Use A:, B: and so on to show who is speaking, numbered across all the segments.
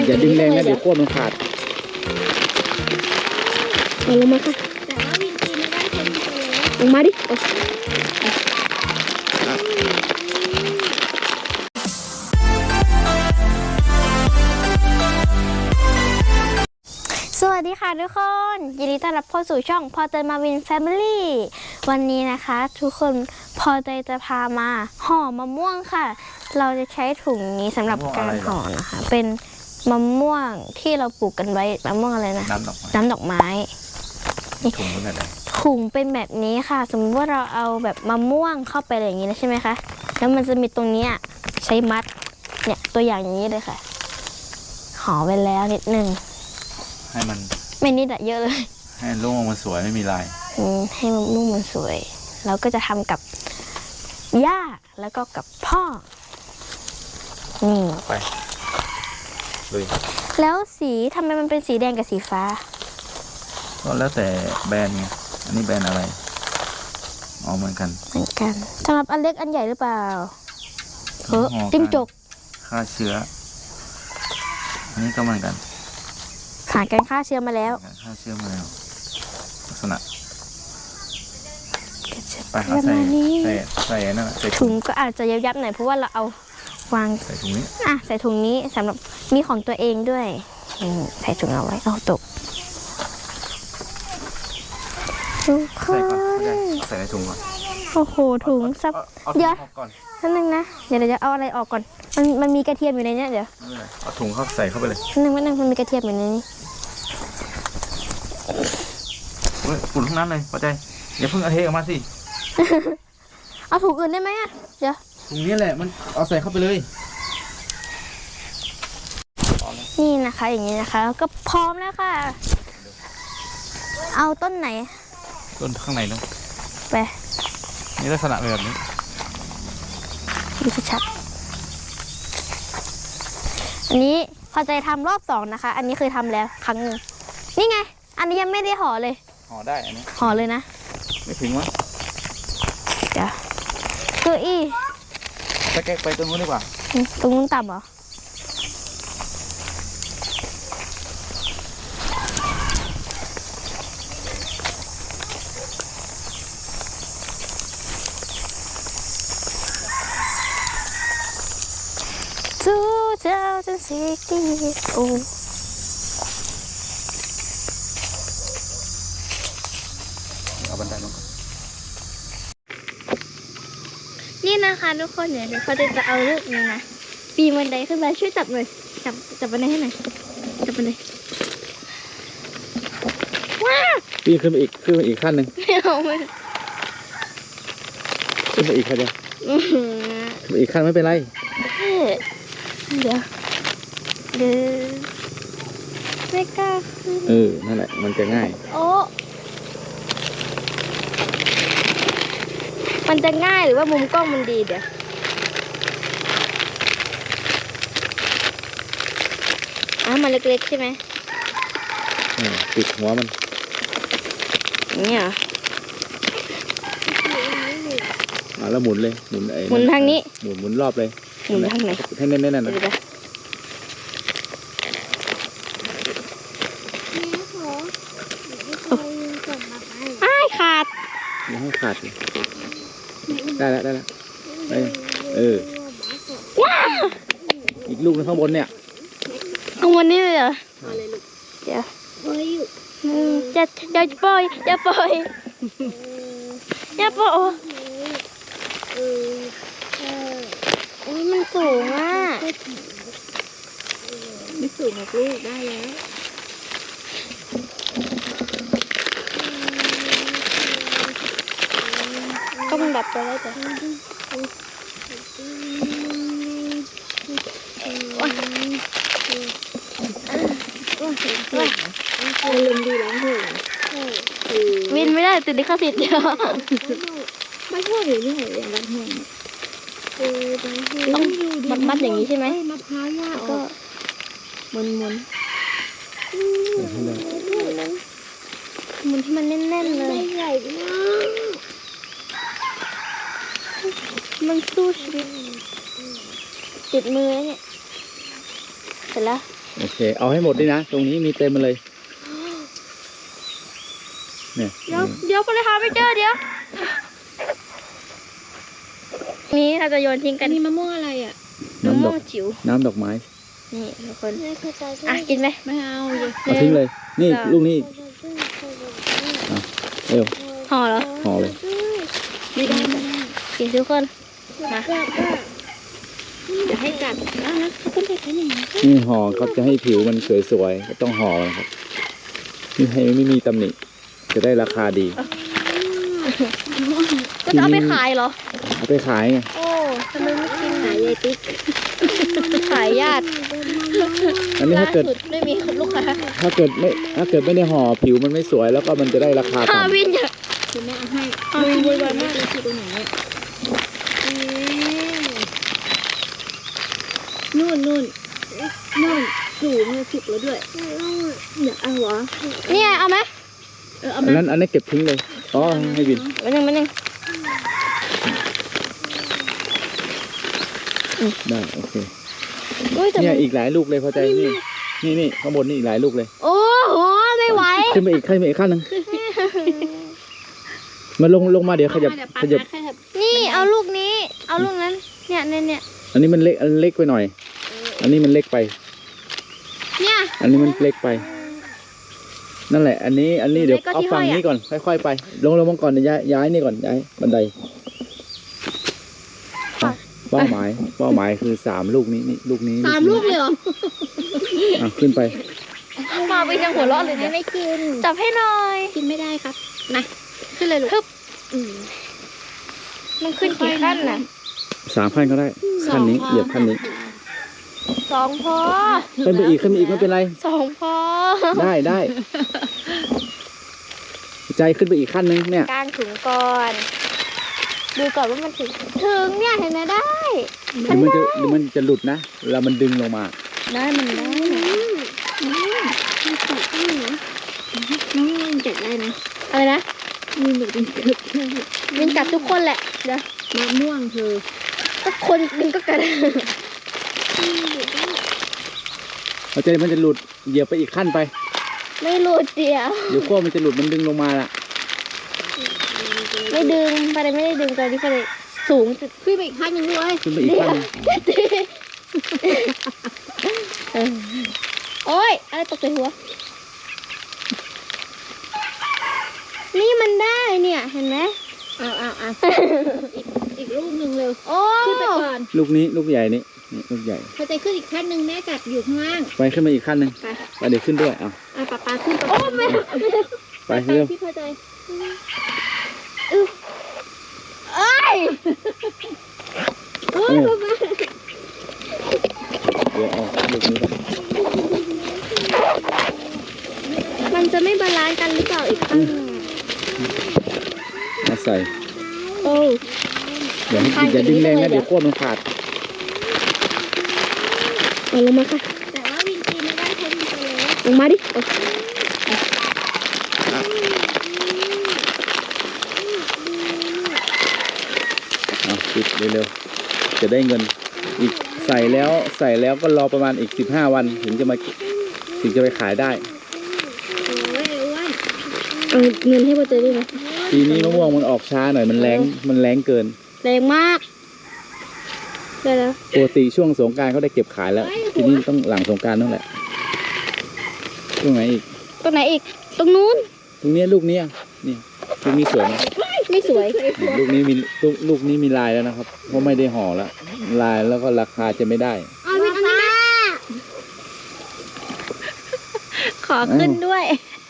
A: อย่าดึงแรงนะเดี๋ยวโค้ดมันขาด
B: เอาลงมาค่ะแต่ว่าวินตีไม่ได้คนเดียวลงมาดิสวัสดีค่ะทุกคนยินดีต้อนรับเข้าสู่ช่องพอเตยมาวินแฟมิลี่วันนี้นะคะทุกคนพอเตยจะพามาห่อมะม่วงค่ะเราจะใช้ถุงนี้สำหรับการห่อนะคะเป็นมะม่วงที่เราปลูกกันไว้มะม่วงอะไรนะน้ำดอกไม้
A: ถุงเป็นแบบไหน
B: ถุงเป็นแบบนี้ค่ะสมมติว่าเราเอาแบบมะม่วงเข้าไปอย่างนี้นะใช่ไหมคะแล้วมันจะมีตรงนี้ใช้มัดเนี่ยตัวอย่างอย่างนี้เลยค่ะห่อไปแล้วนิดนึง
A: ให้มัน
B: ไม่นิดอะเยอะเลย
A: ให้ลูกมันสวยไม่มีลาย
B: ให้ลูกมันสวยเราก็จะทำกับย่าแล้วก็กับพ่อนี่
A: ไปเลย
B: แล้วสีทำไมมันเป็นสีแดงกับสีฟ้า
A: ก็แล้วแต่แบรนด์ไงอันนี้แบรนด์อะไรเหมือนกัน
B: สำหรับอันเล็กอันใหญ่หรือเปล่าจิ้มจก
A: ฆ่าเชื้ออันนี้ก็เหมือนกัน
B: ผ่านการฆ่าเชื้อมาแล้ว
A: ลักษณะไปใส่นั่นใส่
B: ถุงก็อาจจะยับๆหน่อยเพราะว่าเราเอาวาง
A: ใส่ถุงนี้
B: ใส่ถุงนี้สำหรับมีของตัวเองด้วยใส่ถุงเอาไว้เอาตกทุกคน
A: ใส่ในถุงก่อน
B: โอ้โหถุงซับเยอะนั่นนึงนะเดี๋ยวจะเอาอะไรออกก่อนมันมีกระเทียมอยู่ในนี้เดี๋ยว
A: เอาถุงใส่เข้าไปเลย
B: นึงมันมีกระเทียมอยู่ในนี้
A: ฝุ่นทั้งนั้นเลยพอใจอย่าเพิ่งเอาเทออกมาสิ
B: เอาถุงอื่นได้ไหมเดี๋ยว
A: ถุงนี้แหละมันเอาใส่เข้าไปเลย
B: นี่นะคะอย่างนี้นะคะก็พร้อมแล้วค่ะเอาต้นไหน
A: ต้นข้างในเนาะ
B: ไป
A: นี่ลักษณะแบบนี้
B: ดูชัดอันนี้พอใจทำรอบ2นะคะอันนี้เคยทำแล้วครั้งหนึ่งนี่ไงอันนี้ยังไม่ได้ห่อเลย
A: ห่อได้อันนี้
B: ห่อเลยนะ
A: ไม่ถึงวะ
B: เดี๋ยวตัว
A: ตะแกะไปตรงนู้นดีกว่า
B: ตรงนู้นต่ำเหรอ2060 โอ้
A: เอาบันไดลง
B: นี่นะคะทุกคนเดี๋ยวเขาจะเอาลูกนี้นะปีนบันไดขึ้นไปช่วยจับหน่อยจับบันไดให้หน่อยจับบันไดว้า
A: ปีนขึ้นมาอีกขั้นหนึ่ง
B: ไม่เอาไม่
A: ขึ้นมาอีกขั้นเดียวขึ้นมาอีกขั้นไม่เป็นไร
B: เดี๋ยวไม่กล้าขึ้น
A: นั่นแหละมันจะง่าย
B: โอ้มันจะง่ายหรือว่ามุมกล้องมันดีเดี๋ยวมันเล็กๆใช่ไหม
A: ติดหัวมัน
B: นี่เหรอ
A: แล้วหมุนเลยหมุน
B: ทางนี้
A: หมุนรอบเลย
B: หมุนทางไหน
A: ให้แน่นๆนะ
B: ขาด
A: ยังให้ขาดได้แล้วอีกลูกนึงข้างบนเนี่ย
B: ข้างบนนี่เลยเหรอเดี๋ยวจะปล่อยมันสูงไม่สูงหรอกลูกได้แล้วต้องดับตัวได้แต่ลมดีแล้ววินไม่ได้ติดลิขสิทธิ์เดียวไม่ชอบหรือนี่เหรออย่างนั้นแห้งต้องมัดอย่างนี้ใช่ไหมมะพร้าวย่าก็หมุนที่มันแน่นๆเลยใหญ่มากมันสู้ชีวิตติดมือแล้วเนี่ยเสร็จแล้ว
A: โอเค เอาให้หมดด้วยนะ ตรงนี้มีเต็มมาเลยเนี่ย
B: เดี๋ยวคนเลยหาไม่เจอเดี๋ยวนี่เราจะโยนทิ้งกันนี่มะม่วงอะไรอ่ะมะม่วงจิ๋ว
A: น้ำดอกไม้
B: นี่ทุกคนอ่ะกินไหมไม่เอา
A: เอาทิ้งเลย นี่ลูกนี้เร็ว
B: ห่อเหรอ
A: ห่อเลย
B: ไม่ได้กินทุกคนมาเดี๋ยวให้กัดนะเขาเป็นเด็กกันอย่างนี้
A: นี่ห่อครับจะให้ผิวมันสวยๆก็ต้องห่อนะครับนี่ให้ไม่มีตำหนิจะได้ราคาดี
B: ก็จะเอาไปขายเหรอ
A: เอาไปขายไง
B: โอ้ทำไมไม่กินขายยายติ๊กขายญาติ
A: อันนี้ถ้าเกิด
B: ล่สุไม่มีลูกค้า
A: ถ้าเกิดไม่ได้ห่อผิวมันไม่สวยแล้วก็มันจะได้ราคา
B: ฮา
A: ต่ำ
B: วินอยากคือแม่เอาให้ฮาวินวุ่นวายมากเลยคือตรงไหนนู่นสูงเลยสุกแล้วด้วยอยากเอาเหรอเนี่ยเอาไหมเอา
A: อั
B: ไหม
A: นนั้นเก็บทิ้งเลยอ๋อให้บิน
B: มาหนึ่ง
A: ได้โอเค
B: อุ้ยแต่
A: เนี่ยอีกหลายลูกเลยพอใจนี่ข้างบนนี่อีกหลายลูกเลย
B: โอ้โหไม่ไหว
A: ขึ้นไปอีกขั้นหนึ่งมาลงมาเดี๋ยวขยับ
B: นี่เอาลูกนี้เอาลูกนั้นเนี่ย
A: อันนี้มันเล็กไปหน่อย อันนี้มันเล็กไป
B: เนี่ย
A: อันนี้มันเล็กไป นั่นแหละ อันนี้เดี๋ยวเอาฝั่งนี้ก่อนค่อยๆไปลงมาก่อนเดี๋ยวย้ายนี่ก่อนย้ายบันไดเป้าหมายคือ3 ลูกนี้นี่ลูกนี้
B: 3 ลูกเลยเหรอ
A: ขึ้นไป
B: มาไปยังหัวเราะเลยเนี่ยไม่กินจับให้หน่อยกินไม่ได้ครับนะขึ้นเลยลูกมันขึ้นกี่ขั้นน่ะ
A: 3 ขั้นก็ได้ขั้นนี้เหยียบขั้นนี้
B: 2 พอ
A: ขึ้นไปอีกไม่เป็นไร
B: 2 พอ
A: ได้ใจขึ้นไปอีกขั้นนึงเนี่ย
B: กางถุงก่อนดูก่อนว่ามันถึงเนี่ยเห็นไหมได้
A: เดี๋ยวมันจะหลุดนะเวลามันดึงลงมา
B: ได้มันได้น้องจัดได้นะอะไรนะมีหนูเป็นเกือบเป็นกัดทุกคนแหละเดี๋ยวมะม่วงเธอก็คนดึงก็กัด
A: เอาใจมันจะหลุดเหยียบไปอีกขั้นไป
B: ไม่หลุดเดียว
A: เดี๋ยวขั้วมันจะหลุดมันดึงลงมาละ
B: ไม่ดึงไปเลยไม่ได้ดึงตอนนี้ไปเลยสูงขึ้นไปอีกขั้นหนึ่งด้วย
A: ขึ้นไปอีกขั้นนึง
B: โอ๊ยอะไรตกใส่หัวนี่มันได้เนี่ยเห็นไหมอีกลูกหนึ่งเร็วโอ้ขึ้นไปก่อน
A: ลูกนี้ลูกใหญ่นี่ลูกใหญ่
B: พอใจขึ้นอีกขั้นหนึ่งแม่กัดอยู่ข้างล่าง
A: ไปขึ้นมาอีกขั้นนึงไปเดี๋ยวขึ้นด้วย
B: ปลาขึ้นโอ้แม่
A: ไปเร็ว
B: พี่พอใจเอ้ย
A: เดี๋ยวเอาลูกนี้ก่อน
B: มันจะไม่บาลานซ์กันหรือเปล่าอีกขั้น
A: มาใส่
B: โอ้
A: อย่าดึงแรงนะเดี๋ยวขั้วมันขาด
B: เอาลงมาค่ะแต่ว่าวินจีไม่ได้เพราะวินไปเลยลงมาดิ
A: ปิดเร็วๆจะได้เงินอีกใส่แล้วก็รอประมาณอีก15 วันถึงจะไปขายได้
B: เอาเงินให้โบเจอได้ไหม
A: ปีนี้มะม่วงมันออกช้าหน่อยมันแรงเกิน
B: แรงมากได้แล้ว
A: ปกติช่วงสงกรานต์เขาได้เก็บขายแล้วทีนี้ต้องหลังสงกรานต์นั่นแหละตรงไหนอีก
B: ตรงไหนอีกตรงนู้น
A: ตรงนี้ลูกนี้นี่ลูกนี้สวยไหม
B: ไม่สวย
A: ลูกนี้มีลายแล้วนะครับเพราะไม่ได้ห่อแล้วลายแล้วก็ราคาจะไม่ได้
B: เอาวินอันนี้มาขอขึ้นด้วย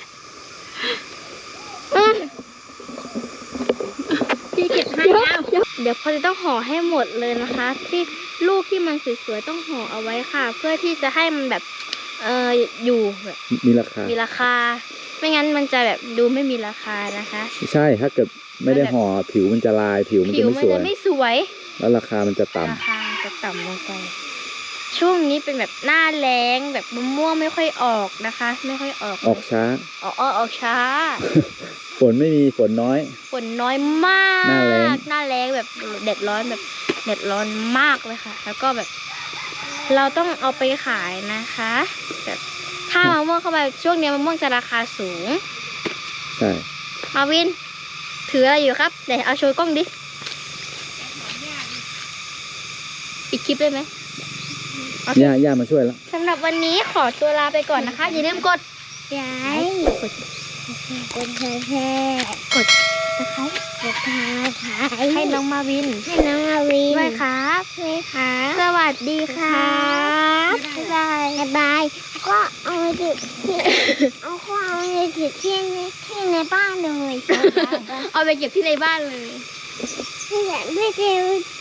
B: พี่เก็บให้แล้วเดี๋ยวพอจะต้องห่อให้หมดเลยนะคะ ที่ลูกที่มันสวยๆต้องห่อเอาไว้ค่ะ เพื่อที่จะให้มันแบบอยู่แบบ
A: มีราคา
B: มีราคา ไม่งั้นมันจะแบบดูไม่มีราคานะคะ
A: ใช่ถ้าเกิดไม่ได้ห่อผิวมันจะลายผิวมันจะไม่สวย
B: ไม่สวย
A: แล้วราคามันจะต่ำ
B: ราคาจะต่ำลงไปช่วงนี้เป็นแบบหน้าแล้งแบบมะม่วงไม่ค่อยออกนะคะ ไม่ค่อยออก
A: ออกช้า
B: ออกช้า
A: ฝนไม่มีฝนน้อย
B: ฝนน้อยมาก
A: หน้าแล้ง
B: แบบแดดร้อนแบบแดดร้อนมากเลยค่ะ แล้วก็แบบเราต้องเอาไปขายนะคะแบบถ้ามะม่วงเข้าไปช่วงนี้มะม่วงจะราคาสูง
A: ใช่
B: มาวิน ถืออะไรอยู่ครับเดี๋ยวเอาโชว์กล้องดิอีกคลิปได้ไหม
A: ย่ามาช่วยแล้ว
B: สำหรับวันนี้ขอตัวลาไปก่อนนะคะ อย่าลืมกด
C: ย้ายกดแชร์กดตะไคร้กดทางไคร้
B: ให้น้องมาวิน
C: ให้น้องอาวิน
B: ด้วยครับ
C: ด้วยค่ะ
B: สวัสดีครับ
C: บ๊ายบายบ๊ายบายก็เอาไปติดที่เอาก็เอาไปติดที่ในบ้านเลย
B: เอาไปเก็บที่ในบ้านเลย
C: ไม่เจอ